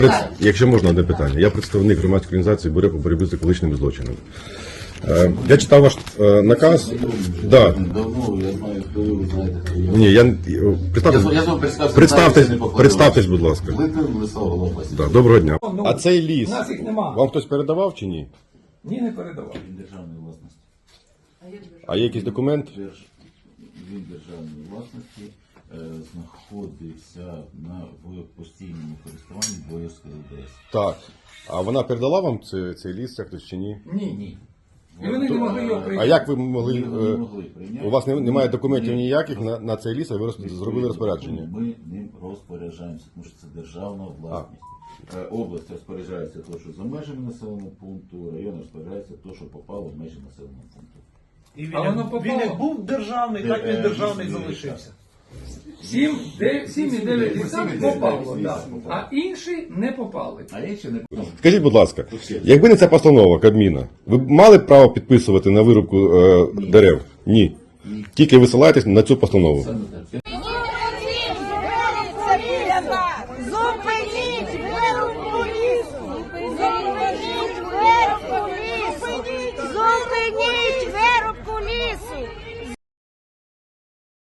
Якщо можна, одне питання. Я представник громадської організації «Бюро по боротьбі з екологічними злочинами». Я читав ваш наказ. Да. Давно, я знаю, хто ви знаєте. Ні, представтесь, будь ласка. Литвин Владислав Голова. Да, доброго дня. Ну, А цей ліс, у нас їх нема. вам хтось передавав чи ні? Ні, не передавав. Він державної власності. А є якийсь документ? Він державної власності знаходився в постійному користуванні Боярської ОДС. Так. А вона передала вам цей ліс, як хтось чи ні? Ні. І вони не могли його прийняти. А як ви могли... Вони не могли прийняти. У вас немає документів ніяких на цей ліс, а ви зробили розпорядження? Ми ним розпоряджаємося, тому що це державна власність. Область розпоряджається те, що за межами населеного пункту, район розпоряджається те, що попало в межі населеного пункту. І А воно попало? він як був державний, так він державний залишився. 7,9 гектарів попало, звісно, так. А інші не попали. А я ще не Скажіть, будь ласка, якби не ця постанова Кабміна, ви б мали б право підписувати на вирубку дерев? Ні. Тільки висилаєтесь на цю постанову. саме так.